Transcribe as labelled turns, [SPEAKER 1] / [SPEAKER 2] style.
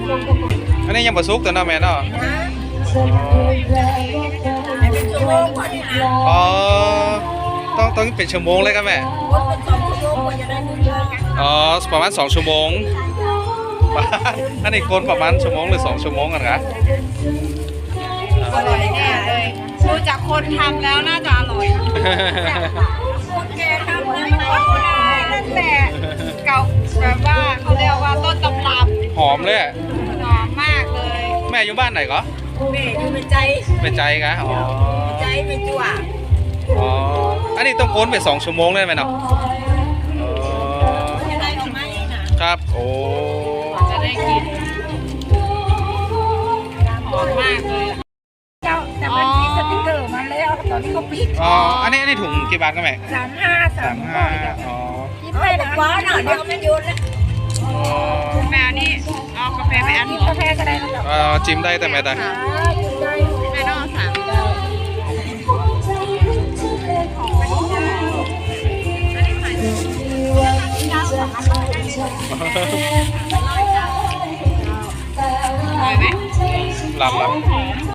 [SPEAKER 1] อันนี้ยังบ่สุกตัวเนาะแม่เนาะ
[SPEAKER 2] เป็นชั่วโมงกว่านี้นะ
[SPEAKER 1] อ๋อต้องเป็นชั่วโมงเลยครับแม่
[SPEAKER 2] เป็น2 ชั่วโมงกว่าจะได้1 เดือน
[SPEAKER 1] อ๋อประมาณ2 ชั่วโมงอันนี้คนประมาณชั่วโมงหรือ2 ชั่วโมงกันครับ
[SPEAKER 3] อร่อยแน่เลยดูจากคนทำแล้วน่าจะอร่อยคนแกทำแล้วก็ได้นั่นแหละเก่าแบบว่าเขาเรียกว่าต้นตำรับ
[SPEAKER 1] หอมเลยอะ
[SPEAKER 3] หอมมากเลย
[SPEAKER 1] แม่อยู่บ้านไหนก็
[SPEAKER 2] แม่อยู่เป็นใจ
[SPEAKER 1] เป็นใจกะอ๋อ
[SPEAKER 2] ใจเป็นจั่ว
[SPEAKER 1] อ๋ออันนี้ต้องโคนไป2 ชั่วโมงเลยไหมเนาะอ๋อ
[SPEAKER 2] จะได้ออกมานะครับ
[SPEAKER 1] โอ้
[SPEAKER 3] จะได้กินหอมมากเลย
[SPEAKER 2] เจ้าแต่มันมีสติ๊กเกอร์มาแล้วตอนนี้เขาปิด
[SPEAKER 1] อ๋ออันนี้ถุงกี่บาทก็แม่
[SPEAKER 2] 35
[SPEAKER 1] อ๋อ
[SPEAKER 2] กินไปแต่กว่าหน่อยเดี๋ยวมันยุนแล้ว
[SPEAKER 1] อ๋อ
[SPEAKER 3] แม่นี่เอากาแฟไปอัน
[SPEAKER 2] กินกาแฟก็ได้นะครับ
[SPEAKER 1] จิ้มได้แต่แม่แต่
[SPEAKER 3] แม่ต้องเอา3อร่อยไหม
[SPEAKER 1] ลำ